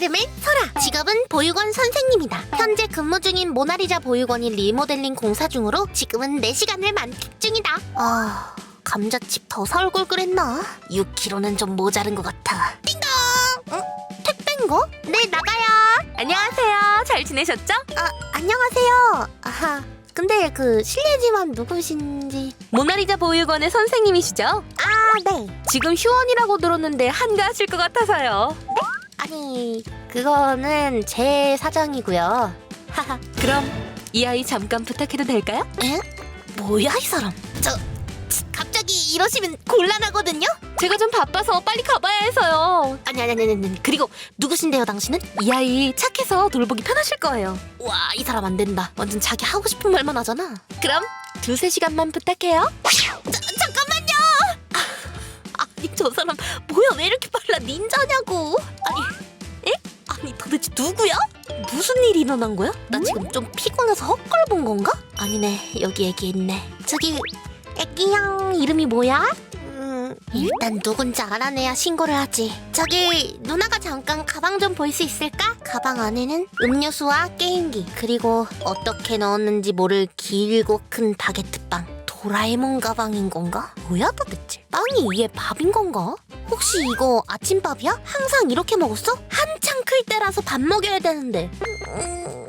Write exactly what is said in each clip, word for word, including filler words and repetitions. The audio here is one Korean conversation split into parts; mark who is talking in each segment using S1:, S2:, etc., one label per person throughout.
S1: 이름은 설아. 직업은 보육원 선생님이다. 현재 근무 중인 모나리자 보육원이 리모델링 공사 중으로 지금은 내 시간을 만끽 중이다. 아... 감자칩 더 사 올 걸 그랬나? 육 킬로그램는 좀 모자른 것 같아. 띵동! 응? 택배인가? 네, 나가요.
S2: 안녕하세요. 잘 지내셨죠?
S1: 아, 안녕하세요. 아하, 근데 그 실례지만 누구신지...
S2: 모나리자 보육원의 선생님이시죠?
S1: 아, 네.
S2: 지금 휴원이라고 들었는데 한가하실 것 같아서요.
S1: 아니, 그거는 제 사정이고요. 하하.
S2: 그럼 이 아이 잠깐 부탁해도 될까요?
S1: 에? 뭐야, 이 사람? 저... 갑자기 이러시면 곤란하거든요?
S2: 제가 좀 바빠서 빨리 가봐야 해서요.
S1: 아니 아니 아니 아니 그리고 누구신데요 당신은?
S2: 이 아이 착해서 돌보기 편하실 거예요.
S1: 와, 이 사람 안 된다. 완전 자기 하고 싶은 말만 하잖아.
S2: 그럼 두세 시간만 부탁해요.
S1: 자, 잠깐만요. 아, 아니 저 사람 뭐야, 왜 이렇게 빨라? 닌자냐고. 아니 에? 아니 도대체 누구야? 무슨 일이 일어난 거야? 나 지금 좀 피곤해서 헛걸 본 건가? 아니네, 여기 애기 있네. 저기 애기양 이름이 뭐야? 음, 일단 누군지 알아내야 신고를 하지. 저기 누나가 잠깐 가방 좀 볼 수 있을까? 가방 안에는 음료수와 게임기, 그리고 어떻게 넣었는지 모를 길고 큰 바게트빵. 도라에몽 가방인 건가? 뭐야 도대체? 빵이 위에 밥인 건가? 혹시 이거 아침밥이야? 항상 이렇게 먹었어? 한창 클 때라서 밥 먹여야 되는데. 음,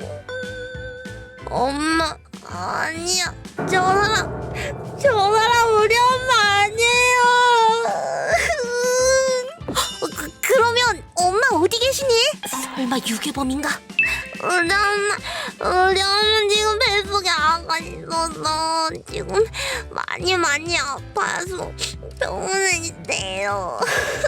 S1: 엄마, 아니야. 저 사람, 저 사람 우리 엄마 아니에요. 그, 그러면 엄마 어디 계시니? 설마 유괴범인가? 우리 엄마, 우리 엄마 지금 뱃속에 아가 있어서 지금 많이 많이 아파서 병원에 있대요.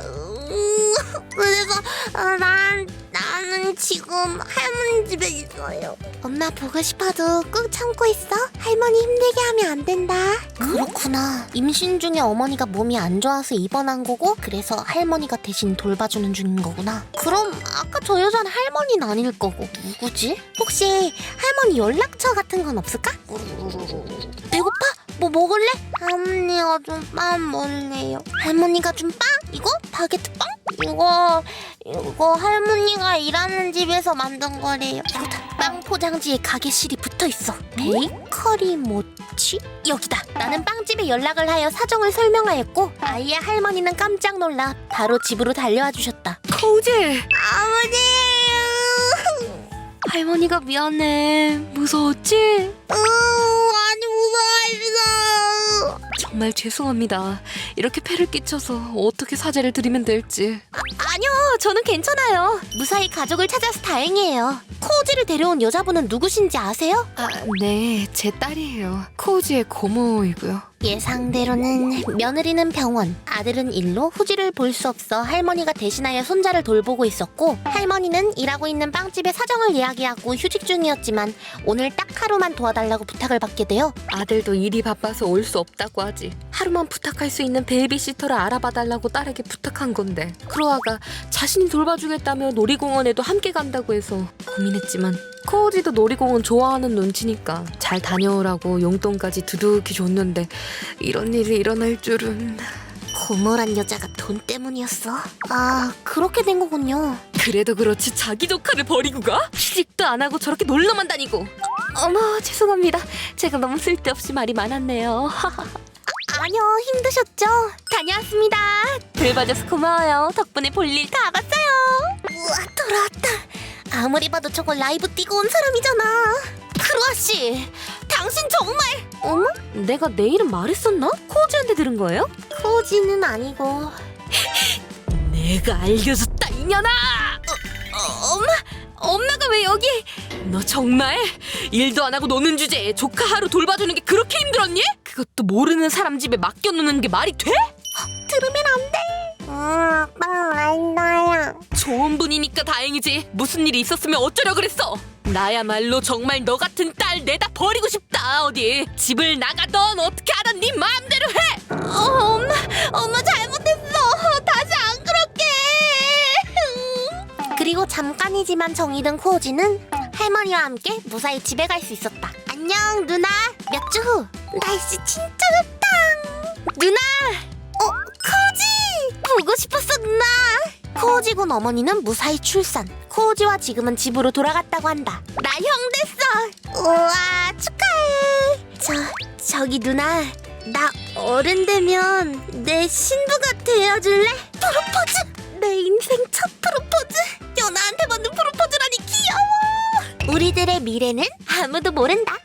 S1: 그래서 난 나는 지금 할머니 집에 있어요. 엄마 보고 싶어도 꾹 참고 있어. 할머니 힘들게 하면 안 된다. 그렇구나. 임신 중에 어머니가 몸이 안 좋아서 입원한 거고, 그래서 할머니가 대신 돌봐주는 중인 거구나. 그럼 아까 저 여자는 할머니는 아닐 거고 누구지? 혹시 할머니 연락처 같은 건 없을까? 배고파? 뭐 먹을래? 할머니가 좀 빵 먹을래요. 할머니가 준 빵? 이거? 바게트 빵? 이거 이거 할머니가 일하는 집에서 만든 거래요. 이거다. 빵 포장지에 가게 실이 붙어있어. 베이커리 모치? 여기다. 나는 빵집에 연락을 하여 사정을 설명하였고, 아이의 할머니는 깜짝 놀라 바로 집으로 달려와 주셨다.
S2: 코우지,
S1: 아버지!
S2: 할머니가 미안해. 무서웠지?
S1: 으, 많이 무서워했어.
S2: 정말 죄송합니다. 이렇게 폐를 끼쳐서 어떻게 사죄를 드리면 될지.
S1: 아, 아니요, 저는 괜찮아요. 무사히 가족을 찾아서 다행이에요. 코우지를 데려온 여자분은 누구신지 아세요?
S2: 아, 네, 제 딸이에요. 코우지의 고모이고요.
S1: 예상대로는 며느리는 병원, 아들은 일로 후지를 볼 수 없어 할머니가 대신하여 손자를 돌보고 있었고, 할머니는 일하고 있는 빵집에 사정을 이야기하고 휴직 중이었지만 오늘 딱 하루만 도와달라고 부탁을 받게 되어
S2: 아들도 일이 바빠서 올 수 없다고 하지. 하루만 부탁할 수 있는 베이비시터를 알아봐달라고 딸에게 부탁한 건데, 크로아가 자신이 돌봐주겠다며 놀이공원에도 함께 간다고 해서 고민했지만, 코우지도 놀이공원 좋아하는 눈치니까 잘 다녀오라고 용돈까지 두둑히 줬는데 이런 일이 일어날 줄은.
S1: 고모란 여자가 돈 때문이었어. 아, 그렇게 된 거군요.
S2: 그래도 그렇지 자기 조카를 버리고 가? 취직도 안 하고 저렇게 놀러만 다니고. 어머, 죄송합니다. 제가 너무 쓸데없이 말이 많았네요.
S1: 아니요, 힘드셨죠? 다녀왔습니다.
S2: 돌봐줘서 고마워요. 덕분에 볼일 다 봤어요.
S1: 우와, 돌아왔다. 아무리 봐도 저거 라이브 뛰고 온 사람이잖아. 크로아씨, 당신 정말... 어머?
S2: 내가 내 이름 말했었나? 코우지한테 들은 거예요?
S1: 코우지는 아니고...
S2: 내가 알려줬다 이년아!
S1: 어, 엄마?
S2: 엄마가 왜 여기? 너 정말 일도 안 하고 노는 주제에 조카 하루 돌봐주는 게 그렇게 힘들었니? 그것도 모르는 사람 집에 맡겨놓는 게 말이 돼?
S1: 들으면 안 돼. 음, 빵 알나야.
S2: 좋은 분이니까 다행이지. 무슨 일이 있었으면 어쩌려 그랬어. 나야말로 정말 너 같은 딸 내다 버리고 싶다. 어디 집을 나가던 어떻게 하던 네 마음대로 해.
S1: 어, 엄마, 엄마 잘못했어. 다시 안 그럴게. 그리고 잠깐이지만 정이 든 코우지는 할머니와 함께 무사히 집에 갈 수 있었다. 안녕 누나. 몇 주 후. 날씨 진짜 좋다. 누나. 어, 코우지. 보고 싶었어 누나. 코오지군 어머니는 무사히 출산. 코오지와 지금은 집으로 돌아갔다고 한다. 나 형 됐어. 우와, 축하해. 저, 저기 누나, 나 어른 되면 내 신부가 되어줄래? 프로포즈! 내 인생 첫 프로포즈. 연아한테 받는 프로포즈라니 귀여워. 우리들의 미래는 아무도 모른다.